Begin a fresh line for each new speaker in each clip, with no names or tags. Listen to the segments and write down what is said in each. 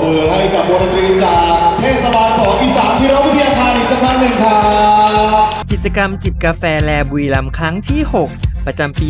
มือให้กับวงดนตรีจากเทศบาล2อีสานธีรวิทยาคารอีกสักครั้งหนึ่งครับ
กิจกรรมจิบกาแฟแลบุรีรัมย์ครั้งที่ 6 ประจำปี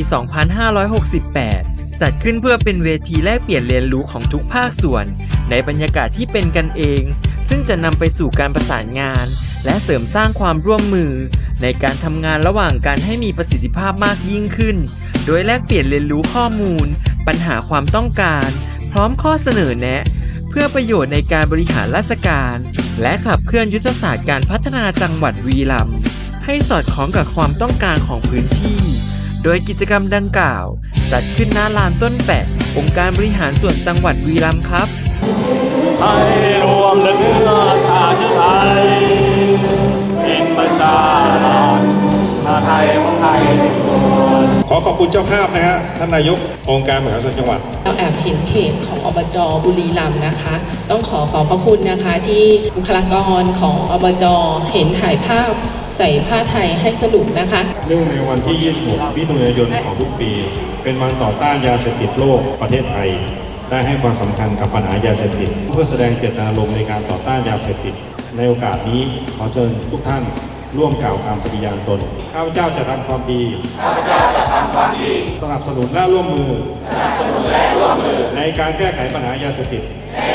2568 จัดขึ้นเพื่อเป็นเวทีแลกเปลี่ยนเรียนรู้ของทุกภาคส่วน ในบรรยากาศที่เป็นกันเอง ซึ่งจะนำไปสู่การประสานงาน และเสริมสร้างความร่วมมือ ในการทำงานระหว่างกันให้มีประสิทธิภาพมากยิ่งขึ้น โดยแลกเปลี่ยนเรียนรู้ข้อมูล ปัญหาความต้องการ พร้อมข้อเสนอแนะ เพื่อประโยชน์ในการบริหารราชการ และขับเคลื่อนยุทธศาสตร์การพัฒนาจังหวัดบุรีรัมย์ให้สอดคล้องกับความต้องการของพื้นที่ โดยกิจกรรมดังกล่าว จัดขึ้นณลานต้นแปะ องค์การบริหารส่วนจังหวัดบุรีรัมย์ครับ
ให้รวมเนื้อชาติไทยเป็นประชาราษฎร์ชาติไทยของไทยทุกส่วน
ขอขอบคุณเจ้าภาพนะฮะท่านนายกองค์การบริหารส่วนจังหวัด
เราแอบเห็นเพจของอบจบุรีรัมย์นะคะต้องขอพระคุณนะคะที่บุคลากรของอบจเห็นถ่ายภาพใส่ผ้าไทยให้สนุกนะคะ
เนื่องในวันที่ 26 มิถุนายนของทุกปี เป็นวันต่อต้านยาเสพติดโลกประเทศไทย ได้ให้ความสำคัญกับปัญหายาเสพติดเพื่อแสดงเจตนารมณ์ในการต่อต้านยาเสพติดในโอกาสนี้ขอเชิญทุกท่านร่วมกล่าวคำปฏิญาณตนข้าพเจ้าจะทำความดีสนับสนุนและร่วมมือในการแก้ไขปัญหายาเสพติด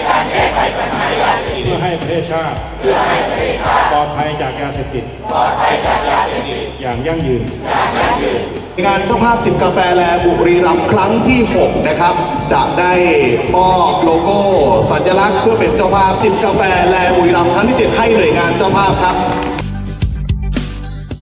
เพื่อให้ประเทศชาติปลอดภัยจากยาเสพติดอย่างยั่งยืน
งานเจ้าภาพจิบกาแฟแลบุรีรัมย์ครั้งที่ 6 นะครับ จะได้มอบโลโก้สัญลักษณ์เพื่อเป็นเจ้าภาพจิบกาแฟแลบุรีรัมย์ครั้งที่ 7 ให้หน่วยงานเจ้าภาพครับ